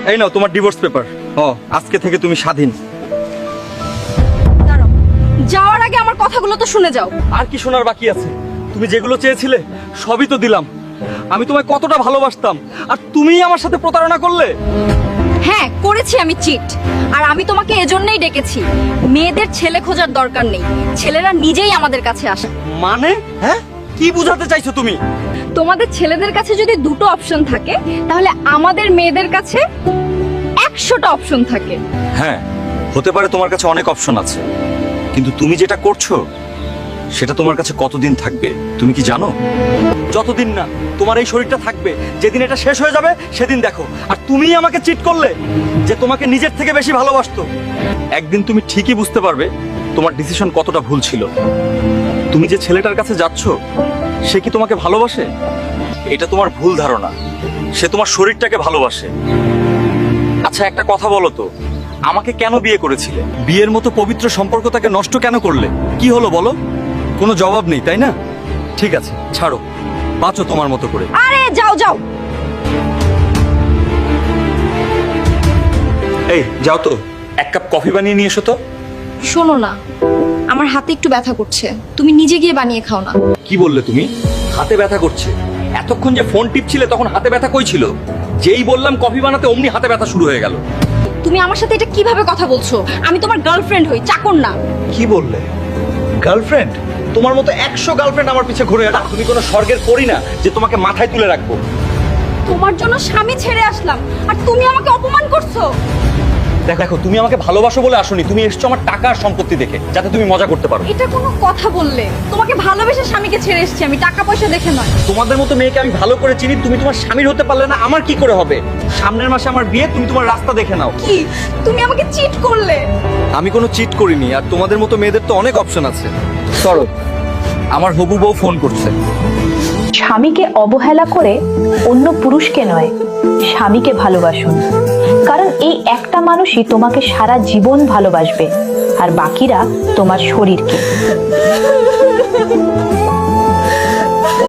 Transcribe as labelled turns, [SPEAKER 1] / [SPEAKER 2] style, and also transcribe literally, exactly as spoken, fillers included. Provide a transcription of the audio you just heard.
[SPEAKER 1] এই নাও তোমার divorce paper. ও আজকে থেকে তুমি স্বাধীন।
[SPEAKER 2] দাঁড়াও, যাওয়ার আগে আমার কথাগুলো তো শুনে যাও।
[SPEAKER 1] আর কি শোনার বাকি আছে? তুমি যেগুলো চেয়েছিলে সবই তো দিলাম। আমি তোমায় কতটা ভালোবাসতাম, আর তুমিই আমার সাথে প্রতারণা করলে।
[SPEAKER 2] হ্যাঁ, করেছি আমি চিট। আর আমি তোমাকে এজন্যই ডেকেছি, মেয়েদের ছেলে খোঁজার দরকার নেই, ছেলেরা নিজেই আমাদের কাছে আসে।
[SPEAKER 1] মানে হ্যাঁ, কি বোঝাতে চাইছো তুমি?
[SPEAKER 2] তোমাদের ছেলেদের কাছে যদি দুটো অপশন থাকে, তাহলে আমাদের মেয়েদের কাছে একশোটা অপশন থাকে।
[SPEAKER 1] হ্যাঁ, হতে পারে তোমার কাছে অনেক অপশন আছে, কিন্তু তুমি যেটা করছো সেটা তোমার কাছে কতদিন থাকবে তুমি কি জানো? যতদিন না তোমার এই শরীরটা থাকবে, যেদিন এটা শেষ হয়ে যাবে সেদিন দেখো। আর তুমিই আমাকে চিট করলে, যে তোমাকে নিজের থেকে বেশি ভালোবাসতো। একদিন তুমি ঠিকই বুঝতে পারবে তোমার ডিসিশন কতটা ভুল ছিল। তুমি যে ছেলেটার কাছে যাচ্ছ সে কি তোমাকে ভালোবাসে? এটা তোমার ভুল ধারণা। সে তোমার শরীরটাকে ভালোবাসে। আচ্ছা একটা কথা বলো তো, আমাকে কেন বিয়ে করেছিলে? বিয়ের মতো পবিত্র সম্পর্কটাকে নষ্ট কেন করলে? কি হলো বলো? কোনো জবাব নেই তাই না? ঠিক আছে, ছাড়ো, বাঁচো তোমার মতো করে।
[SPEAKER 2] আরে যাও যাও।
[SPEAKER 1] এই যাও তো, এক কাপ কফি বানিয়ে নিয়ে এসো তো।
[SPEAKER 2] শোনো না, আমার হাতে একটু ব্যথা করছে, তুমি নিজে গিয়ে বানিয়ে খাও না।
[SPEAKER 1] কি বললে তুমি? হাতে ব্যথা করছে? এতক্ষণ যে ফোন টিপছিলে তখন হাতে ব্যথা কই ছিল? যেই বললাম কফি বানাতে অমনি হাতে ব্যথা শুরু হয়ে গেল।
[SPEAKER 2] তুমি আমার সাথে এটা কিভাবে কথা বলছো? আমি তোমার গার্লফ্রেন্ড হই, চাকর না।
[SPEAKER 1] কি বললে? গার্লফ্রেন্ড? তোমার মতো একশো গার্লফ্রেন্ড আমার পিছে ঘুরে বেড়ায়। তুমি কোনো স্বর্গের পরী না যে তোমাকে মাথায় তুলে রাখবো।
[SPEAKER 2] তোমার জন্য স্বামী ছেড়ে আসলাম, আর তুমি আমাকে অপমান করছো।
[SPEAKER 1] দেখো, তুমি আমাকে ভালোবাসো বলে আসোনি, তুমি এসছো আমার টাকা আর সম্পত্তি দেখে, যাতে তুমি মজা করতে পারো।
[SPEAKER 2] এটা কোনো কথা বললে? তোমাকে ভালোবেসে স্বামীকে ছেড়ে এসেছি আমি, টাকা পয়সা দেখে নয়।
[SPEAKER 1] তোমাদের মতো মেয়েকে আমি ভালো করে চিনি, তুমি তোমার স্বামীর হতে পারলে না, আমার কি করে হবে? সামনের মাসে আমার বিয়ে, তুমি তোমার রাস্তা দেখে নাও।
[SPEAKER 2] কি তুমি আমাকে চিট করলে?
[SPEAKER 1] আমি কোনো চিট করিনি, আর তোমাদের মতো মেয়েদের তো অনেক অপশন আছে। সরো, আমার হবু বউ ফোন করছে।
[SPEAKER 3] স্বামীকে অবহেলা করে অন্য পুরুষকে নয়, স্বামীকে ভালোবাসুন। কারণ এই একটা মানুষই তোমাকে সারা জীবন ভালোবাসবে, আর বাকিরা তোমার শরীরকে।